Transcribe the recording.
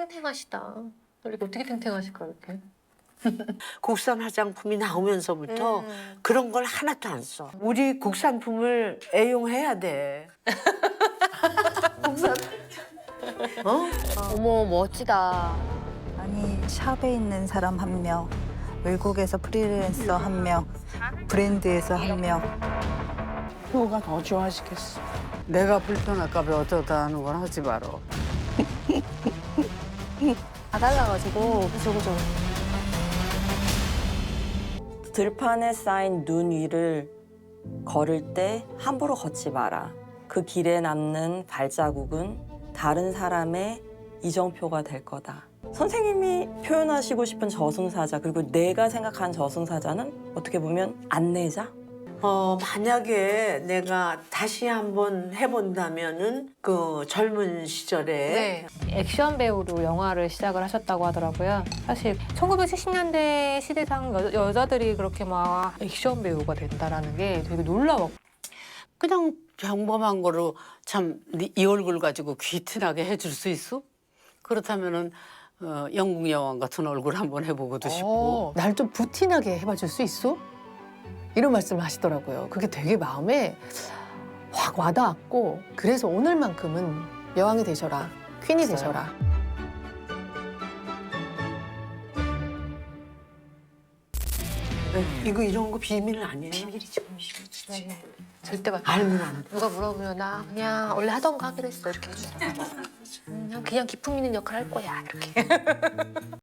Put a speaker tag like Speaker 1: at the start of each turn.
Speaker 1: 탱탱하시다. 이렇게 어떻게 탱탱하실까 이렇게?
Speaker 2: 국산 화장품이 나오면서부터 그런 걸 하나도 안 써. 우리 국산품을 애용해야 돼. 국산. 어?
Speaker 1: 어머 멋지다.
Speaker 3: 아니 샵에 있는 사람 1명, 외국에서 프리랜서 1명, 브랜드에서 1명.
Speaker 4: 효가 더 좋아하시겠어. 내가 불편할까 봐 어쩌다 하는 건 하지 마라.
Speaker 1: 다 달라가지고 그죠.
Speaker 5: 들판에 쌓인 눈 위를 걸을 때 함부로 걷지 마라. 그 길에 남는 발자국은 다른 사람의 이정표가 될 거다. 선생님이 표현하시고 싶은 저승사자, 그리고 내가 생각하는 저승사자는 어떻게 보면 안내자?
Speaker 2: 만약에 내가 다시 한번 해본다면은 그 젊은 시절에
Speaker 1: 액션 배우로 영화를 시작을 하셨다고 하더라고요. 사실 1970년대 시대상 여자들이 그렇게 막 액션 배우가 된다라는 게 되게 놀라웠고.
Speaker 4: 그냥 평범한 거로 참 이 얼굴 가지고 귀티나게 해줄 수 있어? 그렇다면은 영국 여왕 같은 얼굴 한번 해보고도 싶고.
Speaker 6: 날 좀 부티나게 해봐줄 수 있어? 이런 말씀을 하시더라고요. 그게 되게 마음에 확 와닿았고 그래서 오늘만큼은 여왕이 되셔라, 퀸이 되셔라.
Speaker 2: 이거 이런 거 비밀 아니에요?
Speaker 1: 비밀이지. 절대 말.
Speaker 2: 알면 안 돼.
Speaker 1: 누가 물어보면 나 그냥 원래 하던 거 하기로 했어 이렇게. 그냥 기품 있는 역할 할 거야 이렇게.